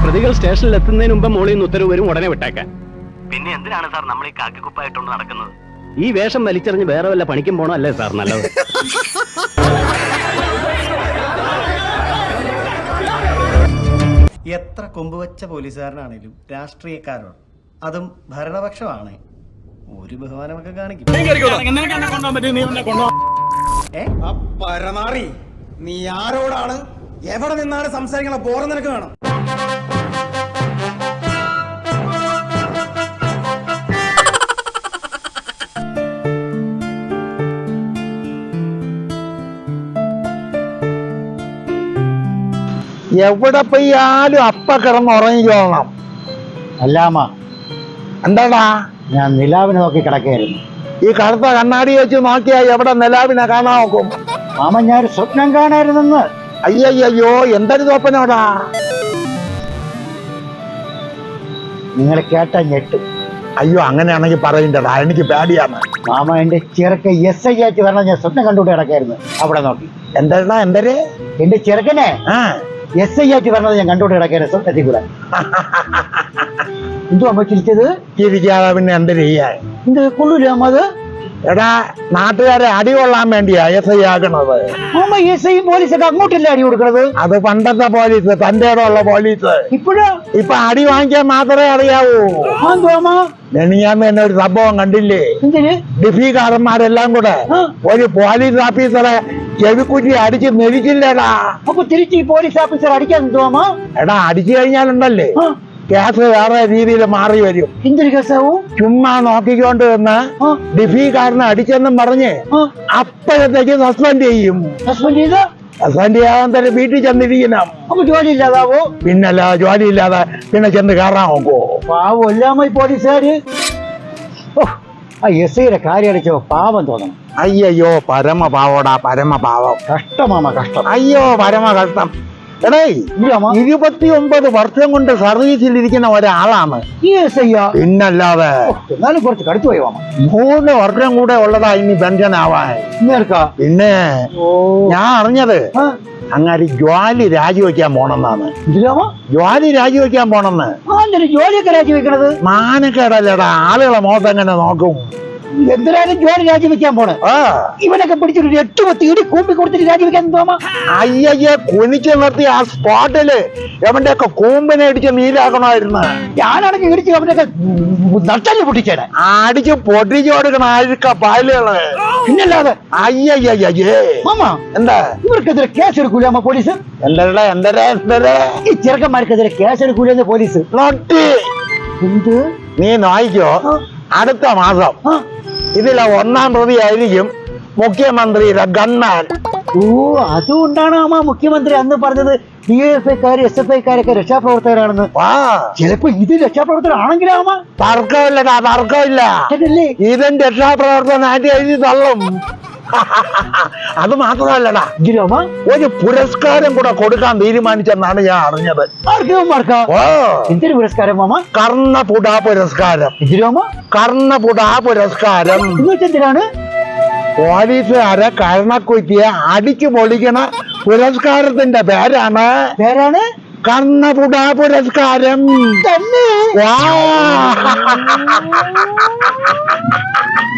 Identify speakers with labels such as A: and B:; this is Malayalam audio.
A: പ്രതികൾ സ്റ്റേഷനിൽ എത്തുന്നതിന് മുമ്പ് മോളിൽ നിന്ന് ഉത്തരവ് വരും, ഉടനെ വിട്ടേക്കാൻ.
B: പിന്നെ എന്തിനാണ് സാർ നമ്മൾ ഈ കാക്കിക്കുപ്പായിട്ടുണ്ട് നടക്കുന്നത്?
A: ഈ വേഷം വലിച്ചെറിഞ്ഞ് വേറെ വല്ല പണിക്കും പോണോ അല്ലേ സാർ നല്ലത്?
C: എത്ര കൊമ്പുവച്ച പോലീസുകാരനാണേലും രാഷ്ട്രീയക്കാരോട്, അതും ഭരണപക്ഷമാണ്, ഒരു ബഹുമാനമൊക്കെ കാണിക്കും.
D: പരനാറി, നീ ആരോടാണ് എവിടെ നിന്നാണ് സംസാരിക്കണ ബോറം നിനക്ക് വേണം?
E: എവിടെ പോയാലും അപ്പ കിടന്ന് ഉറങ്ങിക്കോളണം.
F: അല്ലാമ,
E: എന്താടാ?
F: ഞാൻ നിലാവിനെ നോക്കി കിടക്കുകയായിരുന്നു.
E: ഈ കറുത്ത കണ്ണാടി വെച്ച് നോക്കിയാ എവിടെ നിലാവിനെ കാണാൻ നോക്കും?
F: മാമ, ഞാൻ സ്വപ്നം കാണായിരുന്നെന്ന്.
E: അയ്യോ, എന്തൊരു സ്വപ്നോടാ?
F: നിങ്ങൾ കേട്ട ഞെട്ടും.
E: അയ്യോ, അങ്ങനെയാണെങ്കിൽ പറയണ്ടടാ, എനിക്ക് പേടിയാണ്.
F: മാമ, എന്റെ ചെറുക്കൻ SI ആയിട്ട് വരണം ഞാൻ സ്വപ്നം കണ്ടുകൊണ്ട് കിടക്കായിരുന്നു. അവിടെ നോക്കി.
E: എന്താ? എന്തര്?
F: എന്റെ ചെറുക്കനെ SI ആയിട്ട് വരണത് ഞാൻ കണ്ടുകൊണ്ട് കിടക്കായിരുന്നു സ്വപ്നത്തിൽ കൂടെ. എന്തോ അമ്മ ചിരിച്ചത്?
E: ചിരിക്കാതെ പിന്നെ എന്ത് ചെയ്യാൻ?
F: എന്ത് കൊള്ളൂല അമ്മ അത്?
E: എടാ, നാട്ടുകാരെ അടി കൊള്ളാൻ വേണ്ടിയാ SI ആക്കണത്.
F: അമ്മ, SIയും പോലീസൊക്കെ അങ്ങോട്ടല്ലേ അടി കൊടുക്കണത്?
E: അത് പണ്ടത്തെ പോലീസ്, തന്റെ ഇടമുള്ള പോലീസ്. ഇപ്പൊ അടി വാങ്ങിക്കാൻ മാത്രമേ അറിയാവൂ. ഞാൻ തന്നെ ഒരു സംഭവം കണ്ടില്ലേ? ഡിഫിക്കാരന്മാരെല്ലാം കൂടെ ഒരു പോലീസ് ഓഫീസറെ ചെവിക്കുറ്റി അടിച്ച് മെരിച്ചില്ലടാ.
F: അപ്പൊ തിരിച്ച് ഈ പോലീസ് ഓഫീസർ അടിക്കാൻ തോമാ?
E: എടാ, അടിച്ചു കഴിഞ്ഞാലുണ്ടല്ലേ കേസ് വേറെ രീതിയിൽ മാറി വരും.
F: എന്തൊരു കേസാവൂ?
E: ചുമ്മാ നോക്കിക്കൊണ്ട് നിന്ന് ഡിഫിക്കാരനെ അടിച്ചെന്നും പറഞ്ഞ് അപ്പോഴത്തേക്ക് സസ്പെൻഡ് ചെയ്യും. സസ്പെൻഡ് ചെയ്യാൻ തന്നെ വീട്ടിൽ ചെന്നിരിക്കണം.
F: അപ്പൊ ജോലി ഇല്ലാതാവോ?
E: പിന്നല്ല, ജോലി ഇല്ലാതെ പിന്നെ ചെന്ന് കയറാൻ നോക്കുവോ?
F: പാവം എല്ലാമ പോലീസുകാര്. SIയുടെ കാര്യം അടിച്ചോ പാവം തോന്നണം.
E: അയ്യോ, പരമപാവോടാ, പരമപാവം.
F: കഷ്ടമാമ, കഷ്ടം.
E: അയ്യോ, പരമ കഷ്ടം. എടേ, 29 വർഷം കൊണ്ട് സർവീസിലിരിക്കുന്ന ഒരാളാണ്
F: ഈ SI.
E: പിന്നല്ലാതെ.
F: എന്നാലും കുറച്ച് കടുത്തു പോയി മാമ.
E: 3 വർഷം കൂടെ ഉള്ളതാ ഇനി പെൻഷൻ ആവാൻ. പിന്നെ ഞാൻ അറിഞ്ഞത് അങ്ങാരി ജോലി രാജിവെക്കാൻ പോണെന്നാണ്. ജോലി രാജിവെക്കാൻ പോണെന്ന്.
F: ജോലിയൊക്കെ രാജിവെക്കണത്
E: മാനക്കേടല്ലടാ, ആളുകളെ മുഖത്ത് എങ്ങനെ നോക്കും?
F: എന്തിനാലും ജോലി രാജിവെക്കാൻ പോണേ? ഇവനൊക്കെ പിടിച്ചൊരു 8 ഇടി കൂമ്പി കൊടുത്തിട്ട് രാജിവെക്കാൻ തോമാ?
E: അയ്യയ്യെ, കുനിച്ചു നിർത്തി ആ സ്പോട്ടില് എവന്റെ ഒക്കെ കൂമ്പിനെ അടിച്ച് നീരാക്കണമായിരുന്നു.
F: ഞാനാണെങ്കിൽ ഇടിച്ച് അവനൊക്കെ നട്ടല് പൊട്ടിച്ചേനെ.
E: അടിച്ച് പൊട്ടിച്ചു കൊടുക്കണ അഴുക്ക പാലുകള്.
F: പിന്നല്ലാതെ.
E: അയ്യയ്യേ
F: മാമ,
E: എന്താ
F: ഇവർക്കെതിരെ കേസ് എടുക്കൂല അമ്മ പോലീസ്?
E: എന്തരേ
F: ഈ ചെറുക്കന്മാർക്കെതിരെ കേസ് എടുക്കൂലെന്ന് പോലീസ്.
E: എന്ത്? നീ നോയിക്കോ, അടുത്ത മാസം ഇതിലെ 1-ാം പ്രതി ആയിരിക്കും മുഖ്യമന്ത്രിയുടെ ഗൺമാൻ.
F: അതുകൊണ്ടാണ് അമ്മ മുഖ്യമന്ത്രി അന്ന് പറഞ്ഞത് DFIക്കാര് SFIക്കാരൊക്കെ രക്ഷാപ്രവർത്തകരാണെന്ന്. ചിലപ്പോ ഇത് രക്ഷാപ്രവർത്തകരാണെങ്കിലാ അമ്മ?
E: തർക്കമില്ലടാ, തർക്കമില്ല. ഇതിന്റെ രക്ഷാപ്രവർത്തനായിട്ട് എഴുതി തള്ളും. അത് മാത്രമല്ലടാ, ഒരു പുരസ്കാരം കൂടെ കൊടുക്കാൻ തീരുമാനിച്ചെന്നാണ് ഞാൻ അറിഞ്ഞത്.
F: എന്തൊരു പുരസ്കാരം മാമ?
E: കർണപുട പുരസ്കാരം. കർണപുട പുരസ്കാരം
F: എന്തിനാണ്?
E: പോലീസുകാരെ കരണക്കുറ്റിയെ അടിച്ചു പൊളിക്കണ പുരസ്കാരത്തിന്റെ പേരാണ് കർണപുട പുരസ്കാരം.
F: തന്നെ?